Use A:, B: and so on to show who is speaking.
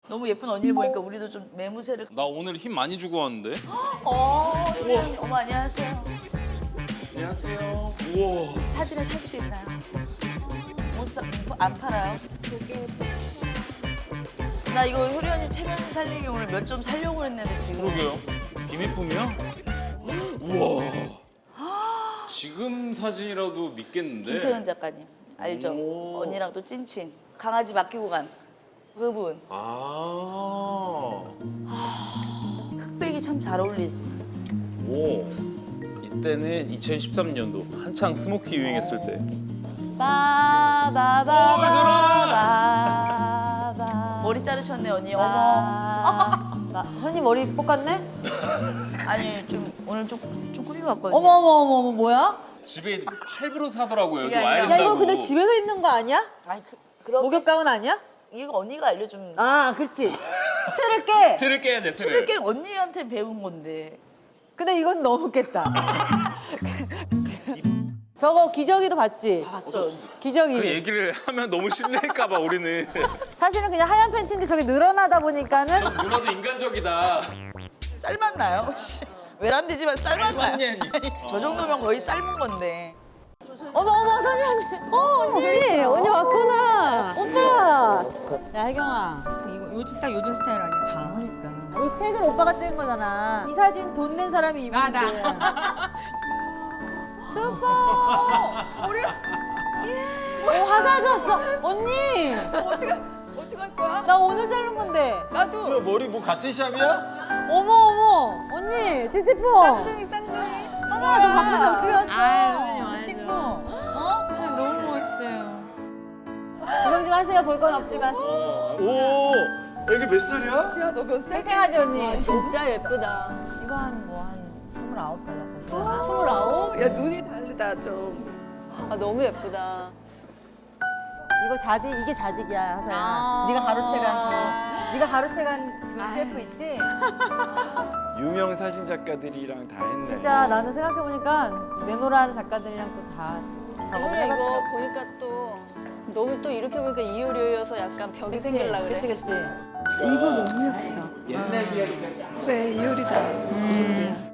A: 너무 예쁜 언니를 보니까 우리도 좀 매무새를.
B: 나 오늘 힘 많이 주고 왔는데.
A: 효련이 어머 안녕하세요.
B: 안녕하세요. 우와.
A: 사진을 살 수 있나요? 안 팔아요? 나 이거 효련이 체면 살리기 오늘 몇 점 살려고 했는데 지금.
B: 그러게요. 비밀품이야? 우와. 지금 사진이라도 믿겠는데.
A: 김태은 작가님 알죠?
B: 오.
A: 언니랑 또 찐친. 강아지 맡기고 간 그분.
B: 아.
A: 흑백이 참 잘 어울리지.
B: 오. 이때는 2013년도 한창 스모키 유행했을 때.
C: 빠바바바바.
A: 머리 자르셨네 언니. 어머.
C: 언니 머리 볶았네?
A: 아니 좀 오늘 좀 꾸미고 왔거든요.
C: 어머 뭐야?
B: 집에 할부로 사더라고요.
A: 이게
B: 여기 와야
A: 아니라-
C: 야
B: 된다고.
C: 이거 근데 집에서 입는 거 아니야?
A: 아니 그런
C: 목욕 가운 아니야?
A: 이거 언니가 알려준.
C: 아 그렇지. 틀을 깨.
B: 틀을 깨야 돼, 틀을.
A: 술래길 언니한테 배운 건데.
C: 근데 이건 너무 깼다. 저거 기저귀도 봤지?
A: 봤어.
C: 기저귀.
B: 그 얘기를 하면 너무 실례할까 봐 우리는.
C: 사실은 그냥 하얀 팬티인데 저게 늘어나다 보니까는
B: 누나도 인간적이다.
A: 쌀맛 나요? 외람되지만 쌀맛 나요.
B: 아니.
A: 저 정도면 거의 삶은 건데.
C: 어머 선희 언니. 언니 왔구나. 오빠. 야 혜경아.
D: 이거 요즘 딱 요즘 스타일 아니야 다.
C: 이 책은 오빠가 찍은 거잖아. 이 사진 돈 낸 사람이 입은
D: 나.
C: 게. 슈퍼. 우리. 화사 졌어. 언니.
D: 어떡할 거야?
C: 나 오늘 자른 건데.
D: 나도.
E: 머리 뭐 같은 샵이야?
C: 어머. 언니 찌찌뽕.
D: 쌍둥이.
C: 하나 너 바쁜데 어떻게 왔어?
F: 아유, 와야죠.
C: 친구. 어?
F: 너무 멋있어요.
C: 구경 좀 하세요. 볼 건 없지만.
E: 오, 애기 몇 살이야?
D: 야 너 몇 살?
C: 땡땡하지 언니.
D: 진짜 예쁘다.
C: 이거 한 29달러 샀어요.
D: 29? 야 눈이 다르다 좀. 아 너무 예쁘다.
C: 이거 이게 자딕이야 하서야.
F: 아.
C: 네가 가로채간 네가 가로채간 그 셰프 있지?
E: 유명 사진 작가들이랑 다 했네.
C: 진짜 나는 생각해 보니까 내노란 작가들이랑 또 다 작업을
D: 효래 이거
C: 해봤더라고.
D: 보니까 또 너무 또 이렇게 보니까 이효리여서 약간 벽이 생길라 그래.
C: 그치.
F: 이거 너무 예쁘다.
E: 옛날 이야기가
D: 그래 이효리다.